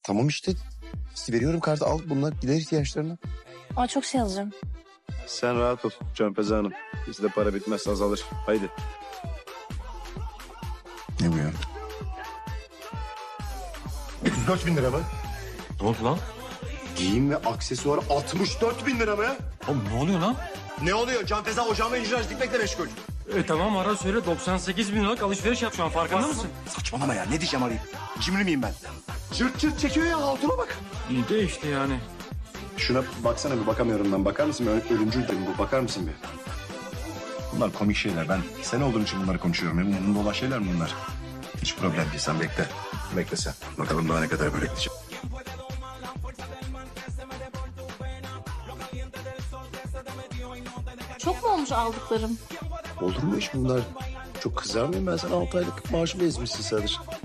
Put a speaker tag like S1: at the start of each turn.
S1: Tamam işte. Veriyorum kartı, al bunlar gider ihtiyaçlarına.
S2: Aa, çok şey alacağım.
S3: Sen rahat ol Canpeze Hanım. Bizde para bitmez, azalır. Haydi.
S1: Ne bu ya?
S4: 34.000 lira mı?
S5: Ne oldu lan?
S4: Giyim ve aksesuar 64.000 lira mı?
S5: Oğlum ne oluyor lan?
S4: Ne oluyor? Can Feza ocağıma icraç dikmekle meşgul.
S5: Tamam ara söyle 98 bin liralık alışveriş yap şu an farkında mısın?
S4: Saçmalama ya. Ne diyeceğim arayıp? Cimri miyim ben? Cırt cırt çekiyor ya. Altına bak.
S5: İyi de işte yani.
S3: Şuna baksana bir, bakamıyorum ben. Bakar mısın? Ölümcül değil bu. Bakar mısın bir?
S4: Bunlar komik şeyler. Ben sen olduğun için bunları konuşuyorum. Benim umurumda olan şeyler mi bunlar? Hiç problem değil. Sen bekle. Bekle sen. Bakalım daha ne kadar böyle gidecek.
S2: Çok mu olmuş aldıklarım?
S1: Olur mu iş bunlar? Çok kızar mıyım ben sana? 6 aylık maaşımı ezmişsin sadece.